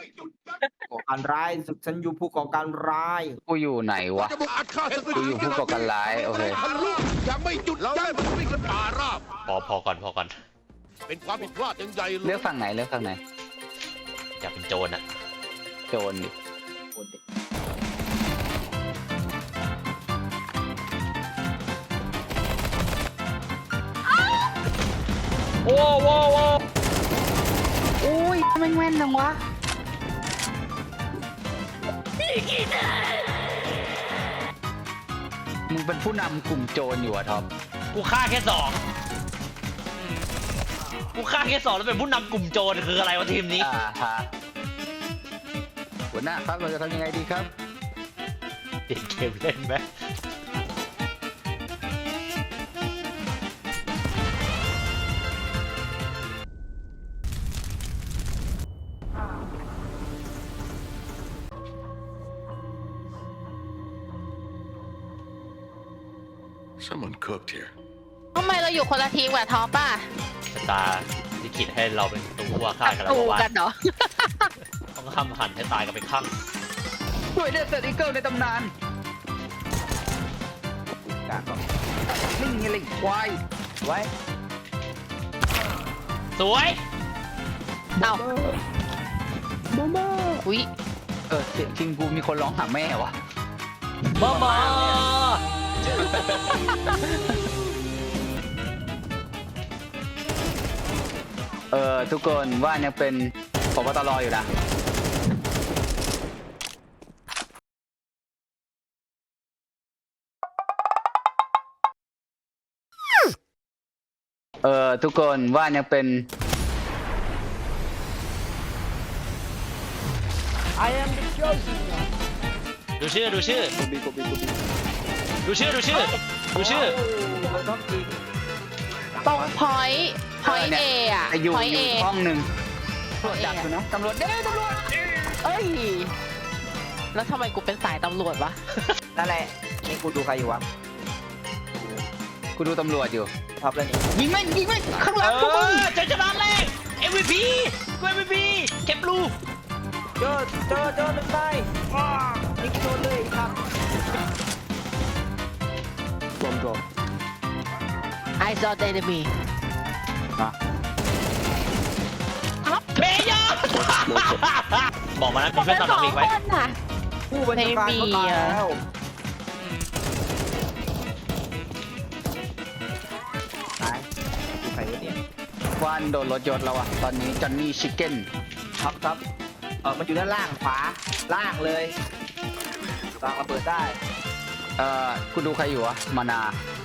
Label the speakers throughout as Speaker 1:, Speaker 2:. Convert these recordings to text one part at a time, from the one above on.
Speaker 1: ก่อการร้ายฉันอยู่ผู้ก่อการร้าย
Speaker 2: กูอยู่ไหนวะกูอยู่ผู้ก่อการร้ายโอเค
Speaker 3: ยังไม่หยุดยั้งวิ่งกันป่าราบ
Speaker 4: พอก่อน
Speaker 3: เป็นความผิดพลาดอย่างใหญ่เลย
Speaker 2: เลือกฝั่งไหน
Speaker 4: อยากเป็นโจรอะ
Speaker 2: โจรดิโอ้โหโอ้ยแม่งแม่นจังวะมึงเป็นผู้นำกลุ่มโจรอยู่อะท็อป
Speaker 4: กูฆ่าแค่สองแล้วเป็นผู้นำกลุ่มโจรคืออะไรวะทีมนี้
Speaker 2: ฮะหัวหน้าครับเราจะทำยังไงดีครับ
Speaker 4: เปลี่ยนเกมเล่นไหม
Speaker 3: Someone cooked here
Speaker 5: ทำไมเราอยู่คนละทีมกับท็อปอ่ะ
Speaker 4: ชะตาลิขิตให้เราเป็นตัวฆ่ากันแล้ว
Speaker 5: ตู
Speaker 4: ว่า
Speaker 5: กันเหรอ
Speaker 4: ต้องห้ามหันให้ตายกันไปข้าง
Speaker 2: ช่วยเดสเซอร์อีเกิลในตำนาน
Speaker 1: การต่อ
Speaker 2: นี่ไงลิงควาย
Speaker 1: ไว้
Speaker 4: สวย
Speaker 5: เอาอุ้ย
Speaker 2: เสียงจริงกูมีคนร้องหาแม่วะ
Speaker 4: มา
Speaker 2: ทุกคนว่ายังเป็นผบตรอยู่นะทุกคนว่ายังเป็น
Speaker 4: ดูชื่อ
Speaker 1: กูบี
Speaker 4: ดูชื่อ
Speaker 5: ตรงพอยต์เออะ
Speaker 2: อยู่
Speaker 5: พอยต์
Speaker 2: อ
Speaker 5: เอยู่
Speaker 2: ห้องหนึ่งตำรวจจับอยู่นะตำรวจ
Speaker 5: เอ้ย แล้วทำไมกูเป็นสายตำรวจวะ
Speaker 1: นั่นแหละนี่กูดูใครอยู่วะ
Speaker 2: กูดูตำรวจอยู่
Speaker 1: ท็อปแล้วนี่
Speaker 2: ยิงไหมข้างหลังพวกมึง
Speaker 4: เจอชนะแรก MVP กู MVP เก็บลู
Speaker 1: เจอหนึ่งไปนี่กูโดนเลยครับรวมตัว
Speaker 5: I saw the enemy
Speaker 4: เพย์ยอบอกมานะมีเพื่อนตามหลังอีกไหม
Speaker 1: ผู้บัญชาการเขาตายแล้วตายดูใครวะเนี่ย
Speaker 2: ควันโดนรถยนต์แล้วอะตอนนี้จอนนี่ชิคเก้น
Speaker 1: ท็อปมันอยู่ด้านล่างขวาล่างเลยวางระเบิดได้
Speaker 2: กูดูใครอยู่วะมานา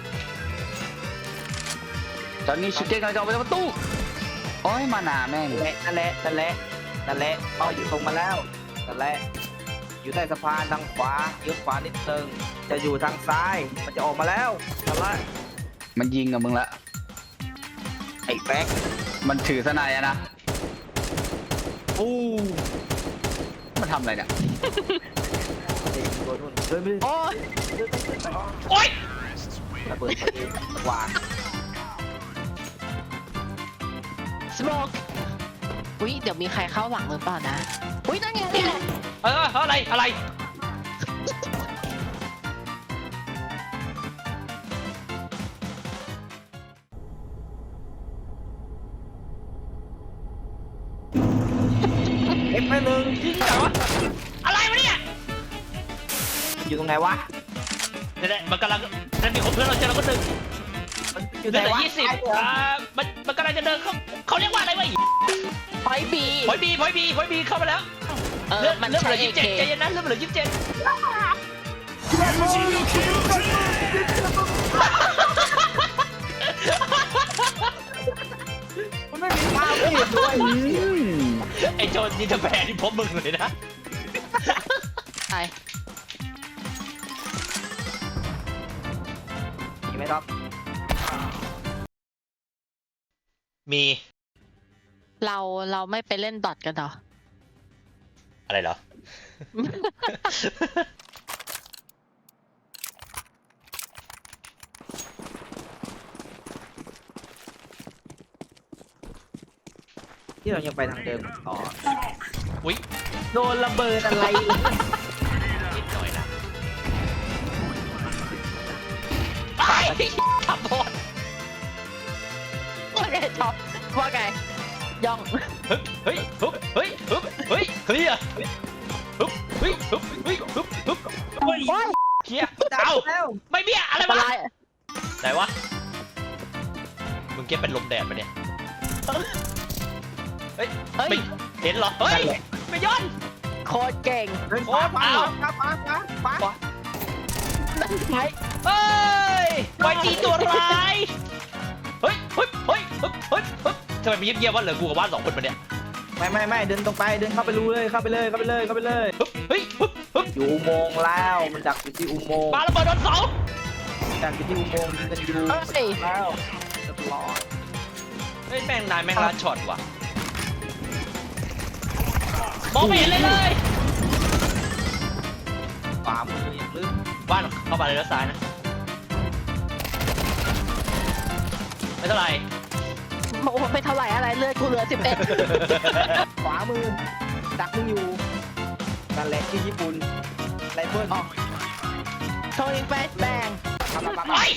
Speaker 2: จอนนี่ชิคเก้นกำลังจะออกไปประตูโอ้ยมานาแม่ง
Speaker 1: นั่นแหละเอาอยู่ตรงมาแล้วนั่นแหละอยู่ใต้สะพานทางขวาเลี้ยวขวานิดนึงจะอยู่ทางซ้ายมันจะออกมาแล้วนั่นแหละ
Speaker 2: มันยิงกับมึงละ
Speaker 1: ไอ้แบ็ค
Speaker 2: มันถือสนายอะนะ
Speaker 1: อู้
Speaker 2: มันทำอะไรเนี่ย
Speaker 1: เด็กตัวนู่นเดินไป
Speaker 5: โอ้ย
Speaker 4: โอ๊ย
Speaker 1: ระเบิดพอดีวาง
Speaker 5: smoke อุ้ยเดี๋ยวมีใครเข้าหลังหรือเปล่านะ อุ้ยนั่นไง
Speaker 4: อะไร
Speaker 1: เอฟไปหนึ่ง
Speaker 4: ยิงเหรอวะอะไรวะเนี่ย
Speaker 1: อยู่ตรงไหนวะ
Speaker 4: เนี่ยมันกำลังนั่นมีคนเพื่อนเราเจอเราก็ดึง
Speaker 1: มันอ
Speaker 4: เห
Speaker 1: ยู่
Speaker 4: ลื
Speaker 1: ไหน
Speaker 4: อแต่
Speaker 1: วะ
Speaker 4: 20มันกำลังจะเดินเขาเรียกว่าอะไรวะ
Speaker 5: พอยต์บี
Speaker 4: พอยบีเข้ามาแล้วเลือด
Speaker 5: มัน
Speaker 4: เหลื
Speaker 5: ใช้
Speaker 4: อ
Speaker 5: เอ
Speaker 4: 27
Speaker 5: เค
Speaker 4: ใจเย็นนะเลือดเหลือ27
Speaker 1: มันไม่มีข้าวไม่เห็นด้วย
Speaker 4: ไอ้โจรยิงจะแพ้ที่พบมึงเลยนะ
Speaker 5: ไป
Speaker 1: มีไหมครับ
Speaker 4: มี
Speaker 5: เราไม่ไปเล่นดอทกันเหรอ
Speaker 4: อะไรเหรอ
Speaker 1: ที่เรายังไปทางเดิมต่อ
Speaker 4: อุ๊ย
Speaker 1: โดนระเบิดอะไรเลย
Speaker 4: นิดหน่อยนะไปขับโพด
Speaker 5: ว่าไงท็อปว่าไงย่อง
Speaker 4: เฮ้ยฮึบเฮ้ยฮึบเฮ้ยเคลียร์ฮึบเฮ้ยฮึบเฮ้ยฮึบฮึบ
Speaker 5: โอ้ย
Speaker 4: เคลียร์
Speaker 1: จับ
Speaker 4: เอ้า
Speaker 1: แล้ว
Speaker 4: ไม่เบี้ยอะไร
Speaker 5: อะไร
Speaker 4: วะไหนวะมึงเก็บเป็นลมแดดปะเนี่ยเฮ้ย
Speaker 5: เฮ้ย
Speaker 4: ไม่เห็นเหรอเฮ้ยไม่ย้อน
Speaker 5: โคตรเก่ง
Speaker 1: เดินขวาขวา
Speaker 4: อ้าว
Speaker 1: ขวาขวาขวาขวา
Speaker 5: นั่นไง
Speaker 4: เฮ้ยไวจีตัวร้ายเฮ้ยเฮ้ยเฮ้ยเฮ้ยเฮ้ยเฮ้ยทำไมมีเงียบๆวะเหลือกูกับบ้านสองคนปะเนี่ย
Speaker 1: ไม่เดินตรงไปเดินเข้าไปรูเลยเข้าไปเลยเข้าไปเลยเข้าไปเลย
Speaker 4: ฮึบเฮ้ยฮึบฮึบ
Speaker 1: อยู่อุโมงค์แล้วมันดักอยู่ที่อุโมงค์
Speaker 4: ปาระเบิดโดนเสา
Speaker 1: ดักอยู่ที่อุโมงค์ยิงกันอยู่
Speaker 5: เฮ้ย
Speaker 1: แล้วเรียบร้อย
Speaker 4: เฮ้ยแม่งนายแม่งลัดช็อตว่ะมองไม่เห็นเลยเลย
Speaker 1: ขวามืออย่างลึก
Speaker 4: บ้านเข้ามาเลยแล้วซ้ายนะไม่เท่าไหร่
Speaker 5: โอ้โหไม่เท่าไหร่อะไรเลือดกูเหลือ11
Speaker 1: ขวามือดักมึงอยู่นั่นแหละที่ญี่ปุ่นไรเฟิล
Speaker 5: โทนิงแฟชแบง
Speaker 4: ไอ้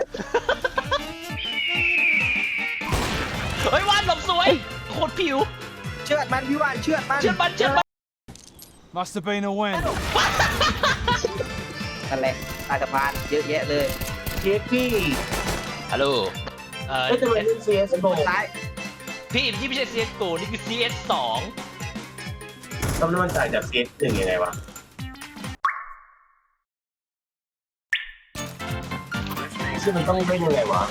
Speaker 4: เฮ้ยวานหลบสวยโคตรผิว
Speaker 1: เชือดมันพี่วานเชือดมัน
Speaker 4: เชื่อมันเชื่อมัน
Speaker 6: Must have been a win.
Speaker 1: นั่นแหละใต้สะพานเยอะแยะเลยเจ๊พี่
Speaker 4: ฮัลโหล
Speaker 1: ไม่จะเป็นเซียสโบซ้าย
Speaker 4: พี่ที่ไม่ใช่ CSGO นี่คือ CS2
Speaker 7: แล้วมันต่างจาก CS1 ยังไงวะ ซึ่งมันต้องเล่นยังไงวะ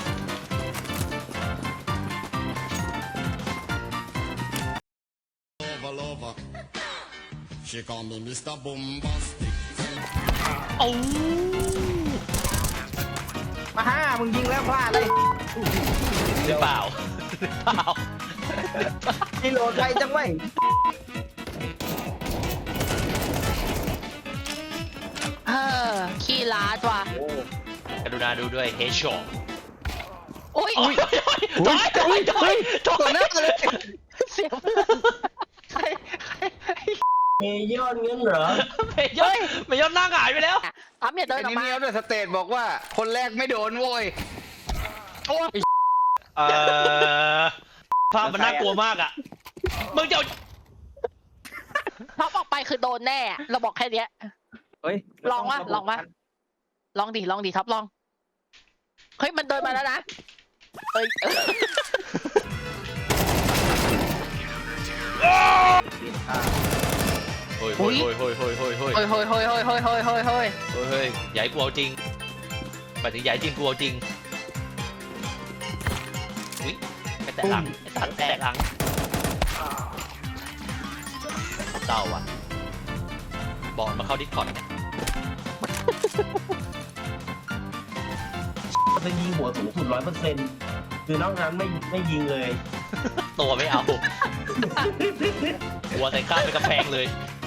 Speaker 3: Lover. She call me Mr. Bombastic.
Speaker 4: โอ้
Speaker 1: มาห้ามึงยิงแล้วพลาดเลย
Speaker 4: หรือเปล่าหรือเปล่า
Speaker 1: นี่โหลดไปจังไว้
Speaker 5: ขี้ล้าดว่ะ
Speaker 4: กรุณาดูด้วยเฮชช็อต
Speaker 5: โอ้ย
Speaker 4: ถอยถอยถอยถอย
Speaker 1: ตัวหน้าเลย
Speaker 5: เสียเพื่อนใคร
Speaker 7: เมยอนเงี้ยเหรอ
Speaker 4: ไม่ยอดไม่ยอดหน้าหงายไปแล้ว
Speaker 5: อ้ำอย่าเดินออกมา
Speaker 2: เนี้ยด้วยสเตทบอกว่าคนแรกไม่โดนโว้ย
Speaker 4: ภาพมันน่ากลัวมากอ่ะมึงจะเอา
Speaker 5: ท็อปออกไปคือโดนแน่ เราบอกแค่เนี้ย
Speaker 1: เฮ้ย
Speaker 5: ลองวะลองวะ ลองดิท็อปลอง เฮ้ยมันเดินมาแล้วนะเอ้ย
Speaker 4: เฮ้ยเฮ้ยเฮ้ยเฮ้ยเฮ้ยเฮ้ยเฮ้ย
Speaker 5: เฮ้ยเฮ้ยเฮ้ยเฮ้ยเฮ้ยเฮ้ยเฮ้ยเฮ้ย
Speaker 4: เฮ้ยใหญ่กูเอาจริงหมายถึงใหญ่จริงกูเอาจริงอุ้ยไปแตะหลังไอ้สัตว์แตะหลังเศร้าอ่ะบอกมาเข้าดิสคอร์ดเนี่ย
Speaker 7: จะยิงหัวสูงสุด 100%คือนอกนั้นไม่ยิงเลย
Speaker 4: ตัวไม่เอา หัวใส่ข้างเป็นกระแพงเลย